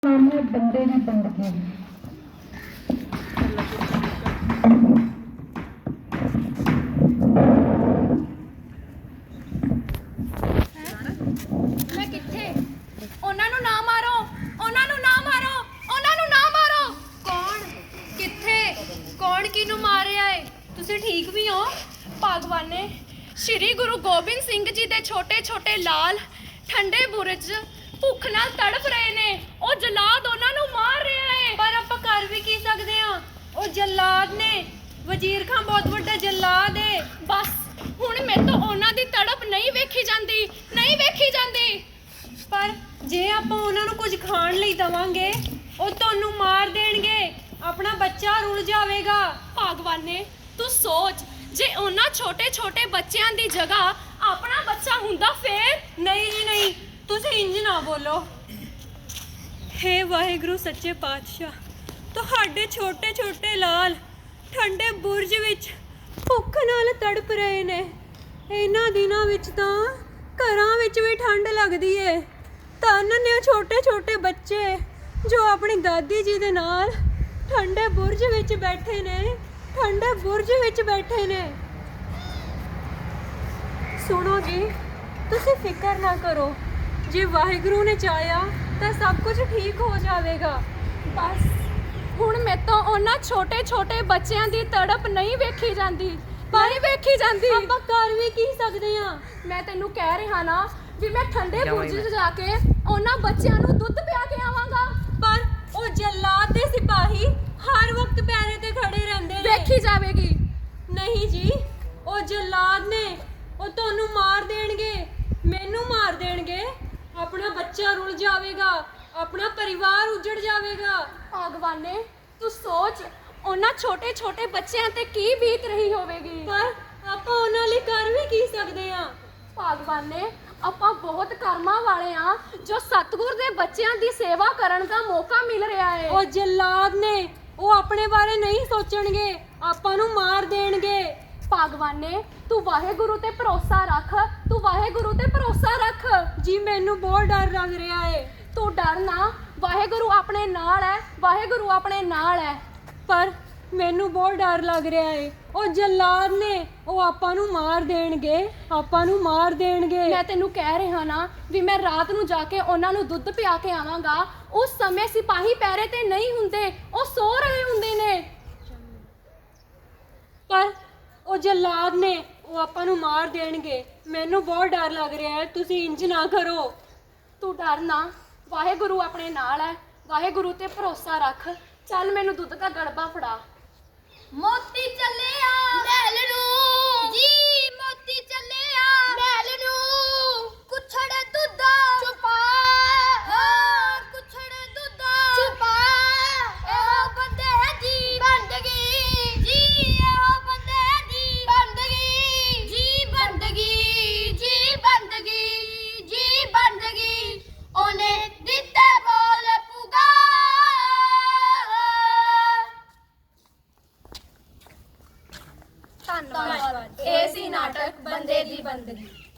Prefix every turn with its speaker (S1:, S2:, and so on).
S1: नाम है बंदे दी बंदगी।
S2: मैं किथे ਉਹਨਾਂ ਨੂੰ ਨਾ ਮਾਰੋ, ਉਹਨਾਂ ਨੂੰ ਨਾ ਮਾਰੋ, ਉਹਨਾਂ ਨੂੰ ਨਾ ਮਾਰੋ। ਕੌਣ ਕਿੱਥੇ ਕੌਣ ਕਿਹਨੂੰ ਮਾਰ ਰਿਹਾ ਏ? ਤੁਸੀਂ ਠੀਕ ਵੀ ਹੋ? ਭਗਵਾਨੇ ਸ਼੍ਰੀ ਗੁਰੂ ਗੋਬਿੰਦ ਸਿੰਘ ਜੀ ਦੇ ਛੋਟੇ ਛੋਟੇ ਲਾਲ ਠੰਡੇ ਬੁਰਜ ਭੁੱਖ ਨਾਲ ਤੜਫ ਰਹੇ ਨੇ। ਉਹ ਜਲਾਦ ਉਹਨਾਂ ਨੂੰ ਮਾਰ ਰਿਹਾ ਏ।
S3: ਪਰ ਆਪਾਂ ਕਰ ਵੀ ਕੀ ਸਕਦੇ ਆ? ਉਹ ਜਲਾਦ ਨੇ। ਵਜ਼ੀਰ ਖਾਨ ਬਹੁਤ ਵੱਡਾ ਜਲਾਦ ਏ।
S2: ਬਸ ਹੁਣ ਮੇਰੇ ਤੋਂ ਉਹਨਾਂ ਦੀ ਤੜਪ ਨਹੀਂ ਵੇਖੀ ਜਾਂਦੀ, ਨਹੀਂ ਵੇਖੀ ਜਾਂਦੀ।
S3: ਪਰ ਜੇ ਆਪਾਂ ਉਹਨਾਂ ਨੂੰ ਕੁਝ ਖਾਣ ਲਈ ਦਵਾਂਗੇ ਉਹ ਤੁਹਾਨੂੰ ਮਾਰ ਦੇਣਗੇ, ਆਪਣਾ ਬੱਚਾ ਰੁਲ ਜਾਵੇਗਾ।
S2: ਭਗਵਾਨੇ ਤੂੰ ਸੋਚ, ਜੇ ਉਹਨਾਂ ਛੋਟੇ ਛੋਟੇ ਬੱਚਿਆਂ ਦੀ ਜਗ੍ਹਾ ਆਪਣਾ ਬੱਚਾ ਹੁੰਦਾ ਫੇਰ?
S3: ਨਹੀਂ ਜੀ ਨਹੀਂ, ਤੁਸੀਂ ਇੰਜ ਨਾ ਬੋਲੋ। ਹੇ ਵਾਹਿਗੁਰੂ ਸੱਚੇ ਪਾਤਸ਼ਾਹ, ਤੁਹਾਡੇ ਛੋਟੇ ਛੋਟੇ ਲਾਲ ਠੰਡੇ ਬੁਰਜ ਵਿੱਚ ਭੁੱਖ ਨਾਲ ਤੜਪ ਰਹੇ ਨੇ। ਇਹਨਾਂ ਦਿਨਾਂ ਵਿੱਚ ਤਾਂ ਘਰਾਂ ਵਿੱਚ ਵੀ ਠੰਡ ਲੱਗਦੀ ਏ। ਧੰਨ ਨੇ ਉਹ ਛੋਟੇ ਛੋਟੇ ਬੱਚੇ ਜੋ ਆਪਣੀ ਦਾਦੀ ਜੀ ਦੇ ਨਾਲ ਠੰਡੇ ਬੁਰਜ ਵਿੱਚ ਬੈਠੇ ਨੇ, ਠੰਡੇ ਬੁਰਜ ਵਿੱਚ ਬੈਠੇ ਨੇ। ਸੁਣੋ ਜੀ, ਤੁਸੀਂ ਫਿਕਰ ਨਾ ਕਰੋ। ਜੇ ਵਾਹਿਗੁਰੂ ਨੇ ਚਾਹਿਆ ਤਾਂ ਸਭ ਕੁਝ ਠੀਕ ਹੋ ਜਾਵੇਗਾ।
S2: ਬਸ ਹੁਣ ਮੇਰੇ ਤੋਂ ਉਹਨਾਂ ਛੋਟੇ ਛੋਟੇ ਬੱਚਿਆਂ ਦੀ ਤੜਪ ਨਹੀਂ ਵੇਖੀ ਜਾਂਦੀ, ਨਹੀਂ ਵੇਖੀ ਜਾਂਦੀ।
S3: ਆਪਾਂ ਕਰ ਵੀ ਕੀ ਸਕਦੇ ਆ?
S2: ਮੈਂ ਤੈਨੂੰ ਕਹਿ ਰਿਹਾ ਨਾ ਵੀ ਮੈਂ ਠੰਡੇ ਬੁਰਜ 'ਚ ਜਾ ਕੇ ਉਹਨਾਂ ਬੱਚਿਆਂ ਨੂੰ ਦੁੱਧ ਪਿਆ ਕੇ ਆਵਾਂਗਾ।
S3: ਪਰ ਉਹ ਜਲਾਦ ਦੇ ਸਿਪਾਹੀ ਹਰ ਵਕਤ ਪੈਰੇ ਤੇ ਖੜੇ ਰਹਿੰਦੇ ਨੇ।
S2: ਵੇਖੀ ਜਾਵੇਗੀ।
S3: ਨਹੀਂ ਜੀ, ਉਹ ਜਲਾਦ ਨੇ। ਉਹ ਤੁਹਾਨੂੰ ਮਾਰ ਦੇਣਗੇ, ਮੈਨੂੰ ਮਾਰ ਦੇਣਗੇ। ਆਪਣਾ ਬੱਚਾ ਰੁਲ ਜਾਵੇਗਾ, ਆਪਣਾ ਪਰਿਵਾਰ ਉਜੜ ਜਾਵੇਗਾ।
S2: ਭਗਵਾਨੇ ਤੂੰ ਸੋਚ, ਉਹਨਾਂ ਛੋਟੇ ਛੋਟੇ ਬੱਚਿਆਂ ਤੇ ਕੀ ਬੀਤ ਰਹੀ ਹੋਵੇਗੀ।
S3: ਪਰ ਆਪਾਂ ਉਹਨਾਂ ਲਈ ਕਰ ਵੀ ਕੀ ਸਕਦੇ ਆ?
S2: ਭਗਵਾਨੇ ਆਪਾਂ ਬਹੁਤ ਕਰਮਾਂ ਵਾਲੇ ਆ ਜੋ ਸਤਿਗੁਰ ਦੇ ਬੱਚਿਆਂ ਦੀ ਸੇਵਾ ਕਰਨ ਦਾ ਮੌਕਾ ਮਿਲ ਰਿਹਾ ਹੈ।
S3: ਉਹ ਜਲਾਦ ਨੇ, ਉਹ ਆਪਣੇ ਬਾਰੇ ਨਹੀਂ ਸੋਚਣਗੇ, ਆਪਾਂ ਨੂੰ ਮਾਰ ਦੇਣਗੇ।
S2: ਭਗਵਾਨੇ ਤੂੰ ਵਾਹਿਗੁਰੂ ਤੇ ਭਰੋਸਾ ਰੱਖ, ਤੂੰ ਵਾਹਿਗੁਰੂ ਤੇ ਭਰੋਸਾ ਰੱਖ।
S3: ਜੀ ਮੈਨੂੰ ਬਹੁਤ ਡਰ ਲੱਗ ਰਿਹਾ ਏ।
S2: ਤੂੰ ਡਰ ਨਾ, ਵਾਹਿਗੁਰੂ ਆਪਣੇ ਨਾਲ ਹੈ, ਵਾਹਿਗੁਰੂ ਆਪਣੇ ਨਾਲ ਹੈ।
S3: ਪਰ ਮੈਨੂੰ ਬਹੁਤ ਡਰ ਲੱਗ ਰਿਹਾ ਏ। ਉਹ ਜਲਾਦ ਨੇ, ਉਹ ਆਪਾਂ ਨੂੰ ਮਾਰ ਦੇਣਗੇ, ਆਪਾਂ ਨੂੰ ਮਾਰ ਦੇਣਗੇ।
S2: ਮੈਂ ਤੈਨੂੰ ਕਹਿ ਰਿਹਾ ਨਾ ਵੀ ਮੈਂ ਰਾਤ ਨੂੰ ਜਾ ਕੇ ਉਹਨਾਂ ਨੂੰ ਦੁੱਧ ਪਿਆ ਕੇ ਆਵਾਂਗਾ। ਉਸ ਸਮੇਂ ਸਿਪਾਹੀ ਪੈਰੇ ਤੇ ਨਹੀਂ ਹੁੰਦੇ, ਉਹ ਸੋ ਰਹੇ ਹੁੰਦੇ ਨੇ।
S3: ਪਰ ਉਹ ਜਲਾਦ ਨੇ, ਉਹ ਆਪਾਂ ਨੂੰ ਮਾਰ ਦੇਣਗੇ। ਮੈਨੂੰ ਬਹੁਤ ਡਰ ਲੱਗ ਰਿਹਾ ਹੈ। ਤੁਸੀਂ ਇੰਜ ਨਾ ਕਰੋ।
S2: ਤੂੰ ਡਰ ਨਾ, ਵਾਹਿਗੁਰੂ ਆਪਣੇ ਨਾਲ ਹੈ, ਵਾਹਿਗੁਰੂ ਤੇ ਭਰੋਸਾ ਰੱਖ। ਚੱਲ ਮੈਨੂੰ ਦੁੱਧ ਦਾ ਗੜਬਾ ਫੜਾ। ਮੋਤੀ ਚੱਲਿਆ ਮਹਿਲ ਨੂੰ ਜੀ, ਮੋਤੀ ਚੱਲਿਆ ਮਹਿਲ ਨੂੰ। ਕੁਛੜ ਦੁੱਧ ਛੁਪਾ, ਕੁਛੜ ਦੁੱਧ ਛੁਪਾ। ਇਹੋ ਬੰਦੇ ਦੀ ਬੰਦਗੀ ਜੀ, ਇਹੋ ਬੰਦੇ ਦੀ ਬੰਦਗੀ ਜੀ, ਬੰਦਗੀ ਜੀ, ਬੰਦਗੀ ਜੀ, ਬੰਦਗੀ। ਉਹਨੇ ਦਿੱਤੇ ਬੋਲ ਪੁਗਾ। ਧੰਨਵਾਦ। ਇਹ ਸੀ ਨਾਟਕ ਬੰਦੇ ਦੀ ਬੰਦਗੀ।